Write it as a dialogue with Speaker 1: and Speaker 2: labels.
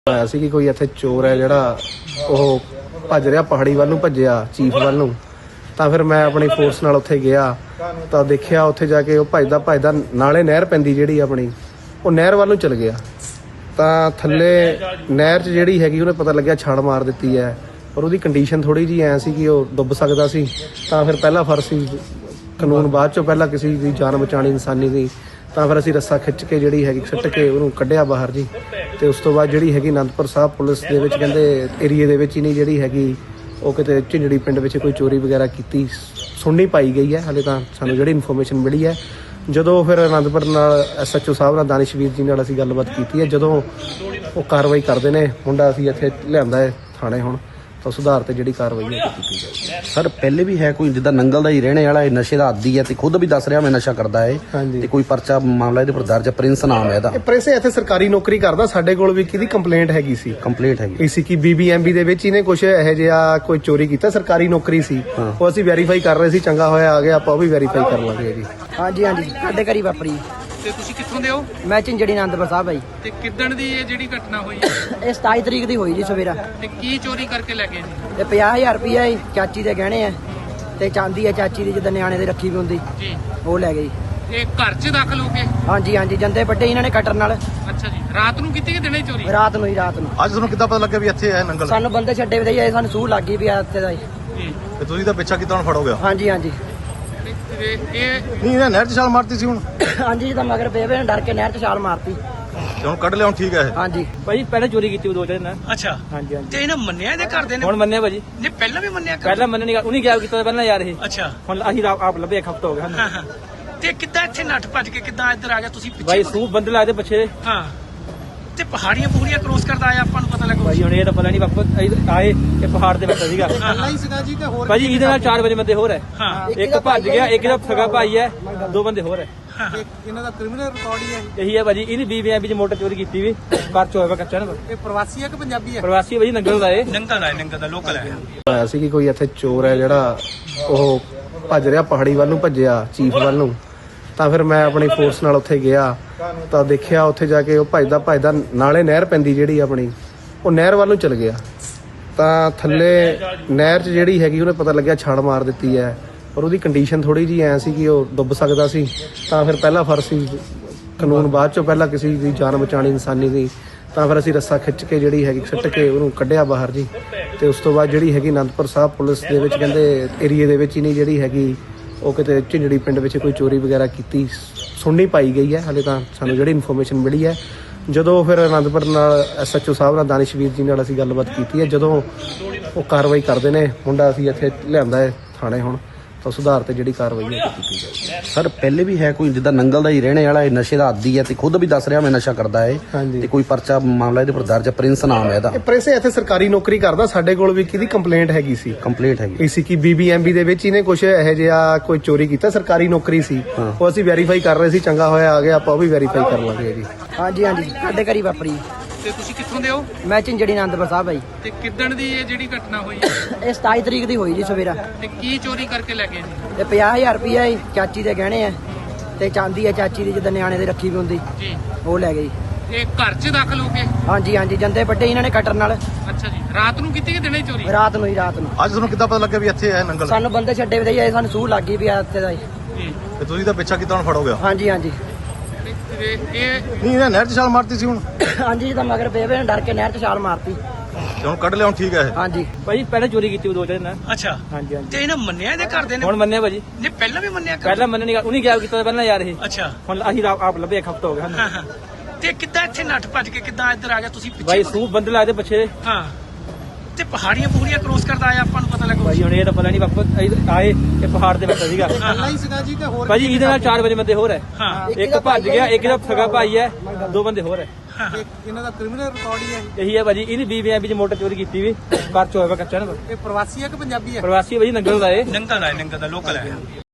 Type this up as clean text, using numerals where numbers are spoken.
Speaker 1: ਹੋਇਆ ਸੀ ਕਿ ਕੋਈ ਇੱਥੇ ਚੋਰ ਹੈ ਜਿਹੜਾ ਉਹ ਭੱਜ ਰਿਹਾ ਪਹਾੜੀ ਵੱਲ ਨੂੰ ਭੱਜਿਆ ਚੀਫ ਵੱਲ ਨੂੰ। ਤਾਂ ਫਿਰ ਮੈਂ ਆਪਣੀ ਫੋਰਸ ਨਾਲ ਉੱਥੇ ਗਿਆ ਤਾਂ ਦੇਖਿਆ ਉੱਥੇ ਜਾ ਕੇ ਉਹ ਭੱਜਦਾ ਨਾਲੇ ਨਹਿਰ ਪੈਂਦੀ ਜਿਹੜੀ ਆਪਣੀ ਉਹ ਨਹਿਰ ਵੱਲ ਨੂੰ ਚਲ ਗਿਆ। ਤਾਂ ਥੱਲੇ ਨਹਿਰ 'ਚ ਜਿਹੜੀ ਹੈਗੀ ਉਹਨੇ ਪਤਾ ਲੱਗਿਆ ਛਾਲ ਮਾਰ ਦਿੱਤੀ ਹੈ, ਪਰ ਉਹਦੀ ਕੰਡੀਸ਼ਨ ਥੋੜੀ ਜਿਹੀ ਐਂ ਸੀ ਕਿ ਉਹ ਡੁੱਬ ਸਕਦਾ ਸੀ। ਤਾਂ ਫਿਰ ਪਹਿਲਾ ਫਰਜ਼ ਸੀ ਕਾਨੂੰਨ, ਬਾਅਦ 'ਚੋਂ ਪਹਿਲਾਂ ਕਿਸੇ ਦੀ ਜਾਨ ਬਚਾਉਣੀ ਇਨਸਾਨੀ ਦੀ। ਤਾਂ ਫਿਰ ਅਸੀਂ ਰੱਸਾ ਖਿੱਚ ਕੇ ਜਿਹੜੀ ਹੈਗੀ ਸੁੱਟ ਕੇ ਉਹਨੂੰ ਕੱਢਿਆ ਬਾਹਰ ਜੀ। ਤੇ ਉਸ ਤੋਂ ਬਾਅਦ ਜਿਹੜੀ ਹੈਗੀ ਅਨੰਦਪੁਰ ਸਾਹਿਬ ਪੁਲਿਸ ਦੇ ਵਿੱਚ ਕਹਿੰਦੇ ਏਰੀਏ ਦੇ ਵਿੱਚ ਹੀ ਨਹੀਂ ਜਿਹੜੀ ਹੈਗੀ ਉਹ ਕਿਤੇ ਝਿੰਜੜੀ ਪਿੰਡ ਵਿੱਚ ਕੋਈ ਚੋਰੀ ਵਗੈਰਾ ਕੀਤੀ ਸੁਣਨੀ ਪਾਈ ਗਈ ਹੈ। ਹਾਲੇ ਤਾਂ ਸਾਨੂੰ ਜਿਹੜੀ ਇਨਫੋਰਮੇਸ਼ਨ ਮਿਲੀ ਹੈ, ਜਦੋਂ ਫਿਰ ਅਨੰਦਪੁਰ ਨਾਲ SHO ਸਾਹਿਬ ਨਾਲ ਦਾਨਿਸ਼ਵੀਰ ਜੀ ਨਾਲ ਅਸੀਂ ਗੱਲਬਾਤ ਕੀਤੀ ਹੈ, ਜਦੋਂ ਉਹ ਕਾਰਵਾਈ ਕਰਦੇ ਨੇ ਮੁੰਡਾ ਅਸੀਂ ਇੱਥੇ ਲਿਆਂਦਾ ਹੈ ਥਾਣੇ ਹੁਣ, ਤਾਂ ਸੁਧਾਰ ਤੇ ਜਿਹੜੀ ਕਾਰਵਾਈ ਹੈ ਕੀਤੀ ਜਾਏਗੀ।
Speaker 2: ਸਰ ਪਹਿਲੇ ਵੀ ਹੈ ਕੋਈ ਜਿੱਦਾਂ ਨੰਗਲ ਦਾ ਹੀ ਰਹਿਣੇ ਵਾਲਾ, ਇਹ ਨਸ਼ੇ ਦਾ ਆਦੀ ਹੈ ਤੇ ਖੁਦ ਵੀ ਦੱਸ ਰਿਹਾ ਮੈਂ ਨਸ਼ਾ ਕਰਦਾ ਹੈ ਤੇ ਕੋਈ ਪਰਚਾ ਮਾਮਲਾ ਇਹਦੇ ਪਰ ਦਰਜ ਹੈ? ਪ੍ਰਿੰਸ ਨਾਮ ਹੈ ਇਹਦਾ।
Speaker 1: ਇਹ ਪ੍ਰਿੰਸ ਇੱਥੇ ਸਰਕਾਰੀ ਨੌਕਰੀ ਕਰਦਾ। ਸਾਡੇ ਕੋਲ ਵੀ ਕਿਹਦੀ ਕੰਪਲੇਂਟ ਹੈਗੀ ਸੀ,
Speaker 2: ਕੰਪਲੀਟ ਹੈਗੀ
Speaker 1: ਸੀ ਕਿ BBMB ਦੇ ਵਿੱਚ ਇਹਨੇ ਕੁਝ ਇਹੋ ਜਿਹਾ ਕੋਈ ਚੋਰੀ ਕੀਤਾ, ਸਰਕਾਰੀ ਨੌਕਰੀ ਸੀ ਉਹ ਅਸੀਂ ਵੈਰੀਫਾਈ ਕਰ ਰਹੇ ਸੀ। ਚੰਗਾ ਹੋਇਆ ਆ ਗਿਆ, ਆਪਾਂ ਉਹ ਵੀ ਵੈਰੀਫਾਈ ਕਰ ਲਾਂਗੇ ਜੀ।
Speaker 3: ਹਾਂਜੀ ਸਾਡੇ ਘਰੀ ਵਾਪਰੀ।
Speaker 4: ਤੇ ਤੁਸੀਂ ਕਿੱਥੋਂ ਦੇ ਹੋ?
Speaker 3: ਮੈਂ ਝਿੰਜੜੀ ਆਨੰਦਪੁਰ ਸਾਹਿਬ ਆਈ।
Speaker 4: ਤੇ ਕਿੱਦਣ ਦੀ ਇਹ ਜਿਹੜੀ ਘਟਨਾ ਹੋਈ ਹੈ?
Speaker 3: ਇਹ 27 ਤਰੀਕ ਦੀ ਹੋਈ ਜੀ ਸਵੇਰਾ।
Speaker 4: ਤੇ ਕੀ ਚੋਰੀ ਕਰਕੇ ਲੈ ਗਏ ਜੀ?
Speaker 3: ਤੇ 50,000 ਰੁਪਇਆ ਚਾਚੀ ਦੇ ਗਹਿਣੇ ਆ ਤੇ ਚਾਂਦੀ ਆ ਚਾਚੀ ਦੀ, ਜਿੱਦਾਂ ਨਿਆਣੇ ਦੇ ਰੱਖੀ ਵੀ ਹੁੰਦੀ
Speaker 4: ਜੀ,
Speaker 3: ਉਹ ਲੈ ਗਈ।
Speaker 4: ਇਹ ਘਰ 'ਚ ਦਾਖਲ ਹੋ ਗਏ?
Speaker 3: ਹਾਂਜੀ ਜੰਦੇ ਵੱਡੇ ਇਹਨਾਂ ਨੇ ਕਟਰ ਨਾਲ।
Speaker 4: ਅੱਛਾ ਜੀ, ਰਾਤ ਨੂੰ ਕੀਤੀ ਕਿ ਦਿਨੇ ਚੋਰੀ?
Speaker 3: ਰਾਤ ਨੂੰ ਹੀ ਰਾਤ ਨੂੰ।
Speaker 5: ਅੱਜ ਤੁਹਾਨੂੰ ਕਿੱਦਾਂ ਪਤਾ ਲੱਗਿਆ ਵੀ ਇੱਥੇ ਹੈ ਨੰਗਲ?
Speaker 3: ਸਾਨੂੰ ਬੰਦੇ ਛੱਡੇ ਵੀ ਦੇ ਸਾਨੂੰ ਸੂਹ ਲੱਗ ਗਈ ਵੀ ਆ ਇੱਥੇ ਦਾ
Speaker 4: ਜੀ।
Speaker 5: ਤੇ ਤੁਸੀਂ ਤਾਂ ਪਿੱਛਾ ਕੀਤਾ ਹੁਣ ਫੜੋਗੇ?
Speaker 3: ਹਾਂਜੀ
Speaker 4: ਤੇ ਇਹ
Speaker 5: ਨਹੀਂ ਇਹਨੇ ਨਹਿਰ 'ਚ ਛਾਲ ਮਾਰਤੀ ਸੀ ਹੁਣ?
Speaker 3: ਹਾਂਜੀ ਤਾਂ ਮਗਰ ਬੇਬੇ ਨੇ ਡਰ ਕੇ ਨਹਿਰ 'ਚ ਛਾਲ ਮਾਰਤੀ।
Speaker 5: ਤੇ ਹੁਣ ਕੱਢ ਲਿਆ, ਹੁਣ ਠੀਕ ਹੈ ਇਹ?
Speaker 3: ਹਾਂਜੀ
Speaker 6: ਭਾਜੀ ਪਹਿਲਾਂ ਚੋਰੀ ਕੀਤੀ ਉਹ 2 ਦਿਨ।
Speaker 4: ਅੱਛਾ,
Speaker 6: ਹਾਂਜੀ
Speaker 4: ਤੇ ਇਹਨਾਂ ਮੰਨਿਆ ਇਹਦੇ ਘਰ ਦੇ ਨੇ?
Speaker 6: ਹੁਣ ਮੰਨਿਆ ਭਾਜੀ।
Speaker 4: ਨਹੀਂ ਪਹਿਲਾਂ ਵੀ ਮੰਨਿਆ ਕਰ?
Speaker 6: ਪਹਿਲਾਂ ਮੰਨਣੀ ਉਹਨੇ ਗਾਇਬ ਕੀਤਾ ਪਹਿਲਾਂ ਯਾਰ ਇਹ।
Speaker 4: ਅੱਛਾ,
Speaker 6: ਹੁਣ ਅਸੀਂ ਆਪ ਲੱਭੇ ਇੱਕ ਹਫ਼ਤਾ ਹੋ ਗਿਆ ਸਾਨੂੰ।
Speaker 4: ਹਾਂ ਹਾਂ। ਤੇ ਕਿੱਦਾਂ ਇੱਥੇ ਨੱਠ ਭੱਜ ਕੇ ਕਿੱਦਾਂ ਇੱਧਰ ਆ ਗਿਆ? ਤੁਸੀਂ
Speaker 6: ਭਾਈ
Speaker 4: ਪਿੱਛੇ
Speaker 6: ਸੂ ਬੰਦੇ ਲਾਦੇ ਪਿੱਛੇ।
Speaker 4: ਹਾਂ, ਤੇ ਪਹਾੜੀਆਂ ਪੂਰੀਆਂ ਕ੍ਰੋਸ ਕਰਦਾ ਆਇਆ, ਆਪਾਂ ਨੂੰ ਪਤਾ ਲੱਗਾ।
Speaker 6: ਭਾਈ ਹੁਣ ਇਹ ਤਾਂ ਪਤਾ ਨਹੀਂ ਵਾਪਸ ਆਏ ਇਹ ਪਹਾੜ ਤੇ ਬੈਠਾ ਸੀਗਾ
Speaker 4: ਹੀ
Speaker 5: ਸੀਗਾ ਜੀ ਕਿ ਹੋਰ?
Speaker 6: ਭਾਜੀ ਇਹਦੇ ਨਾਲ 4 ਵਜੇ ਬੰਦੇ ਹੋਰ ਹੈ।
Speaker 4: ਹਾਂ,
Speaker 6: ਇੱਕ ਭੱਜ ਗਿਆ, ਇੱਕ ਦਾ ਸਗਾ ਭਾਈ ਹੈ, 2 ਬੰਦੇ ਹੋਰ ਹੈ।
Speaker 5: ਇਹਨਾਂ ਦਾ ਕ੍ਰਿਮੀਨਲ ਰਿਕਾਰਡ ਹੀ ਹੈ?
Speaker 6: ਇਹੀ ਹੈ ਭਾਜੀ, ਇਹਦੀ BBMB ਚ ਮੋਟਰ ਚੋਰੀ ਕੀਤੀ ਵੀ ਪਰਚ ਹੋਇਆ ਕੱਚਾ ਨਾ।
Speaker 5: ਇਹ ਪ੍ਰਵਾਸੀ ਹੈ ਕਿ ਪੰਜਾਬੀ ਹੈ?
Speaker 6: ਪ੍ਰਵਾਸੀ ਭਾਜੀ ਨੰਗਲ ਦਾ ਇਹ।
Speaker 4: ਨੰਗਲ ਦਾ ਲੋਕਲ ਹੈ।
Speaker 1: ਹੋਇਆ ਸੀ ਕਿ ਕੋਈ ਇੱਥੇ ਚੋਰ ਹੈ ਜਿਹੜਾ ਉਹ ਭੱਜ ਰਿਹਾ ਪਹਾੜੀ ਵੱਲ ਨੂੰ ਭੱਜਿਆ ਚੀਫ ਵੱਲ ਨੂੰ। ਤਾਂ ਫਿਰ ਮੈਂ ਆਪਣੀ ਫੋਰਸ ਨਾਲ ਉੱਥੇ ਗਿਆ ਤਾਂ ਦੇਖਿਆ ਉੱਥੇ ਜਾ ਕੇ ਉਹ ਭੱਜਦਾ ਨਾਲੇ ਨਹਿਰ ਪੈਂਦੀ ਜਿਹੜੀ ਆਪਣੀ ਉਹ ਨਹਿਰ ਵੱਲ ਨੂੰ ਚਲ ਗਿਆ। ਤਾਂ ਥੱਲੇ ਨਹਿਰ 'ਚ ਜਿਹੜੀ ਹੈਗੀ ਉਹਨੇ ਪਤਾ ਲੱਗਿਆ ਛਾਲ ਮਾਰ ਦਿੱਤੀ ਹੈ, ਪਰ ਉਹਦੀ ਕੰਡੀਸ਼ਨ ਥੋੜੀ ਜਿਹੀ ਐਂ ਸੀ ਕਿ ਉਹ ਡੁੱਬ ਸਕਦਾ ਸੀ। ਤਾਂ ਫਿਰ ਪਹਿਲਾ ਫਰਜ਼ ਸੀ ਕਾਨੂੰਨ, ਬਾਅਦ 'ਚੋਂ ਪਹਿਲਾਂ ਕਿਸੇ ਦੀ ਜਾਨ ਬਚਾਉਣੀ ਇਨਸਾਨੀ ਦੀ। ਤਾਂ ਫਿਰ ਅਸੀਂ ਰੱਸਾ ਖਿੱਚ ਕੇ ਜਿਹੜੀ ਹੈਗੀ ਸੁੱਟ ਕੇ ਉਹਨੂੰ ਕੱਢਿਆ ਬਾਹਰ ਜੀ। ਤੇ ਉਸ ਤੋਂ ਬਾਅਦ ਜਿਹੜੀ ਹੈਗੀ ਅਨੰਦਪੁਰ ਸਾਹਿਬ ਪੁਲਿਸ ਦੇ ਵਿੱਚ ਕਹਿੰਦੇ ਏਰੀਏ ਦੇ ਵਿੱਚ ਹੀ ਨਹੀਂ ਜਿਹੜੀ ਹੈਗੀ ਉਹ ਕਿਤੇ ਝਿੰਜੜੀ ਪਿੰਡ ਵਿੱਚ ਕੋਈ ਚੋਰੀ ਵਗੈਰਾ ਕੀਤੀ ਸੁਣਨੀ ਪਾਈ ਗਈ ਹੈ। ਹਾਲੇ ਤਾਂ ਸਾਨੂੰ ਜਿਹੜੀ ਇਨਫੋਰਮੇਸ਼ਨ ਮਿਲੀ ਹੈ, ਜਦੋਂ ਫਿਰ ਅਨੰਦਪੁਰ ਨਾਲ SHO ਸਾਹਿਬ ਨਾਲ ਦਾਨਿਸ਼ਵੀਰ ਜੀ ਨਾਲ ਅਸੀਂ ਗੱਲਬਾਤ ਕੀਤੀ ਹੈ, ਜਦੋਂ ਉਹ ਕਾਰਵਾਈ ਕਰਦੇ ਨੇ ਮੁੰਡਾ ਅਸੀਂ ਇੱਥੇ ਲਿਆਂਦਾ ਹੈ ਥਾਣੇ ਹੁਣ, ਤਾਂ ਸੁਧਾਰ ਤੇ ਜਿਹੜੀ ਕਾਰਵਾਈ ਹੈ ਕੀਤੀ ਜਾਏਗੀ।
Speaker 2: ਸਰ ਪਹਿਲੇ ਵੀ ਹੈ ਕੋਈ ਜਿੱਦਾਂ ਨੰਗਲ ਦਾ ਹੀ ਰਹਿਣੇ ਵਾਲਾ, ਇਹ ਨਸ਼ੇ ਦਾ ਆਦੀ ਹੈ ਤੇ ਖੁਦ ਵੀ ਦੱਸ ਰਿਹਾ ਮੈਂ ਨਸ਼ਾ ਕਰਦਾ ਹੈ ਤੇ ਕੋਈ ਪਰਚਾ ਮਾਮਲਾ ਇਹਦੇ ਪਰ ਦਰਜ ਹੈ? ਪ੍ਰਿੰਸ ਨਾਮ ਹੈ ਇਹਦਾ।
Speaker 1: ਇਹ ਪ੍ਰਿੰਸ ਇੱਥੇ ਸਰਕਾਰੀ ਨੌਕਰੀ ਕਰਦਾ। ਸਾਡੇ ਕੋਲ ਵੀ ਕਿਹਦੀ ਕੰਪਲੇਂਟ ਹੈਗੀ ਸੀ,
Speaker 2: ਕੰਪਲੀਟ ਹੈਗੀ
Speaker 1: ਸੀ ਕਿ BBMB ਦੇ ਵਿੱਚ ਇਹਨੇ ਕੁਝ ਇਹੋ ਜਿਹਾ ਕੋਈ ਚੋਰੀ ਕੀਤਾ, ਸਰਕਾਰੀ ਨੌਕਰੀ ਸੀ ਉਹ ਅਸੀਂ ਵੈਰੀਫਾਈ ਕਰ ਰਹੇ ਸੀ। ਚੰਗਾ ਹੋਇਆ ਆ ਗਿਆ, ਆਪਾਂ ਉਹ ਵੀ ਵੈਰੀਫਾਈ ਕਰ ਲਾਂਗੇ ਜੀ।
Speaker 3: ਹਾਂਜੀ ਸਾਡੇ ਘਰੀ ਵਾਪਰੀ।
Speaker 4: ਤੇ ਤੁਸੀਂ ਕਿੱਥੋਂ ਦੇ ਹੋ?
Speaker 3: ਮੈਂ ਝਿੰਜੜੀ ਆਨੰਦਪੁਰ ਸਾਹਿਬ ਆਈ।
Speaker 4: ਤੇ ਕਿੱਦਣ ਦੀ ਇਹ ਜਿਹੜੀ ਘਟਨਾ ਹੋਈ ਹੈ?
Speaker 3: ਇਹ 27 ਤਰੀਕ ਦੀ ਹੋਈ ਜੀ ਸਵੇਰਾ।
Speaker 4: ਤੇ ਕੀ ਚੋਰੀ ਕਰਕੇ ਲੈ ਗਏ ਜੀ?
Speaker 3: ਤੇ 50,000 ਰੁਪਇਆ ਚਾਚੀ ਦੇ ਗਹਿਣੇ ਆ ਤੇ ਚਾਂਦੀ ਆ ਚਾਚੀ ਦੀ, ਜਿੱਦਾਂ ਨਿਆਣੇ ਦੇ ਰੱਖੀ ਵੀ ਹੁੰਦੀ
Speaker 4: ਜੀ,
Speaker 3: ਉਹ ਲੈ ਗਈ।
Speaker 4: ਇਹ ਘਰ 'ਚ ਦਾਖਲ ਹੋ ਗਏ?
Speaker 3: ਹਾਂਜੀ ਜੰਦੇ ਵੱਡੇ ਇਹਨਾਂ ਨੇ ਕਟਰ ਨਾਲ।
Speaker 4: ਅੱਛਾ ਜੀ, ਰਾਤ ਨੂੰ ਕੀਤੀ ਕਿ ਦਿਨੇ ਚੋਰੀ?
Speaker 3: ਰਾਤ ਨੂੰ ਹੀ ਰਾਤ ਨੂੰ।
Speaker 5: ਅੱਜ ਤੁਹਾਨੂੰ ਕਿੱਦਾਂ ਪਤਾ ਲੱਗਿਆ ਵੀ ਇੱਥੇ ਹੈ ਨੰਗਲ?
Speaker 3: ਸਾਨੂੰ ਬੰਦੇ ਛੱਡੇ ਵੀ ਦੇ ਸਾਨੂੰ ਸੂਹ ਲੱਗ ਗਈ ਵੀ ਆ ਇੱਥੇ ਦਾ
Speaker 4: ਜੀ।
Speaker 5: ਤੇ ਤੁਸੀਂ ਤਾਂ ਪਿੱਛਾ ਕੀਤਾ ਹੁਣ ਫੜੋਗੇ?
Speaker 3: ਹਾਂਜੀ
Speaker 4: ਤੇ ਇਹ
Speaker 5: ਨਹੀਂ ਇਹਨੇ ਨਹਿਰ 'ਚ ਛਾਲ ਮਾਰਤੀ ਸੀ ਹੁਣ?
Speaker 3: ਹਾਂਜੀ ਤਾਂ ਮਗਰ ਬੇਬੇ ਨੇ ਡਰ ਕੇ ਨਹਿਰ 'ਚ ਛਾਲ ਮਾਰਤੀ।
Speaker 5: ਤੇ ਹੁਣ ਕੱਢ ਲਿਆ, ਹੁਣ ਠੀਕ ਹੈ ਇਹ?
Speaker 3: ਹਾਂਜੀ
Speaker 6: ਭਾਜੀ ਪਹਿਲਾਂ ਚੋਰੀ ਕੀਤੀ ਉਹ 2 ਦਿਨ।
Speaker 4: ਅੱਛਾ,
Speaker 6: ਹਾਂਜੀ
Speaker 4: ਤੇ ਇਹਨਾਂ ਮੰਨਿਆ ਇਹਦੇ ਘਰ ਦੇ ਨੇ?
Speaker 6: ਹੁਣ ਮੰਨਿਆ ਭਾਜੀ।
Speaker 4: ਨਹੀਂ ਪਹਿਲਾਂ ਵੀ ਮੰਨਿਆ ਕਰ?
Speaker 6: ਪਹਿਲਾਂ ਮੰਨਣੀ ਉਹਨੇ ਗਾਇਬ ਕੀਤਾ ਪਹਿਲਾਂ ਯਾਰ ਇਹ।
Speaker 4: ਅੱਛਾ,
Speaker 6: ਹੁਣ ਅਸੀਂ ਆਪ ਲੱਭੇ ਇੱਕ ਹਫ਼ਤਾ ਹੋ ਗਿਆ ਸਾਨੂੰ।
Speaker 4: ਹਾਂ ਹਾਂ। ਤੇ ਕਿੱਦਾਂ ਇੱਥੇ ਨੱਠ ਭੱਜ ਕੇ ਕਿੱਦਾਂ ਇੱਧਰ ਆ ਗਿਆ? ਤੁਸੀਂ
Speaker 6: ਭਾਈ
Speaker 4: ਪਿੱਛੇ
Speaker 6: ਸੂ ਬੰਦੇ ਲਾਦੇ ਪਿੱਛੇ।
Speaker 4: ਹਾਂ, ਤੇ ਪਹਾੜੀਆਂ ਪੂਰੀਆਂ ਕ੍ਰੋਸ ਕਰਦਾ ਆਇਆ, ਆਪਾਂ ਨੂੰ ਪਤਾ ਲੱਗਾ।
Speaker 6: ਭਾਈ ਹੁਣ ਇਹ ਤਾਂ ਪਤਾ ਨਹੀਂ ਵਾਪਸ ਆਏ ਇਹ ਪਹਾੜ ਤੇ ਬੈਠਾ ਸੀਗਾ
Speaker 5: ਹੀ ਸੀਗਾ ਜੀ ਕਿ ਹੋਰ?
Speaker 6: ਭਾਜੀ ਇਹਦੇ ਨਾਲ 4 ਵਜੇ ਬੰਦੇ ਹੋਰ ਹੈ।
Speaker 4: ਹਾਂ,
Speaker 6: ਇੱਕ ਭੱਜ ਗਿਆ, ਇੱਕ ਦਾ ਸਗਾ ਭਾਈ ਹੈ, 2 ਬੰਦੇ ਹੋਰ ਹੈ।
Speaker 5: ਇਹਨਾਂ ਦਾ ਕ੍ਰਿਮੀਨਲ ਰਿਕਾਰਡ ਹੀ ਹੈ?
Speaker 6: ਇਹੀ ਹੈ ਭਾਜੀ, ਇਹਦੀ BBMB ਚ ਮੋਟਰ ਚੋਰੀ ਕੀਤੀ ਵੀ ਪਰਚ ਹੋਇਆ ਕੱਚਾ ਨਾ।
Speaker 5: ਇਹ ਪ੍ਰਵਾਸੀ ਹੈ ਕਿ ਪੰਜਾਬੀ ਹੈ?
Speaker 6: ਪ੍ਰਵਾਸੀ ਭਾਜੀ ਨੰਗਲ ਦਾ ਇਹ।
Speaker 4: ਨੰਗਲ ਦਾ ਲੋਕਲ ਹੈ।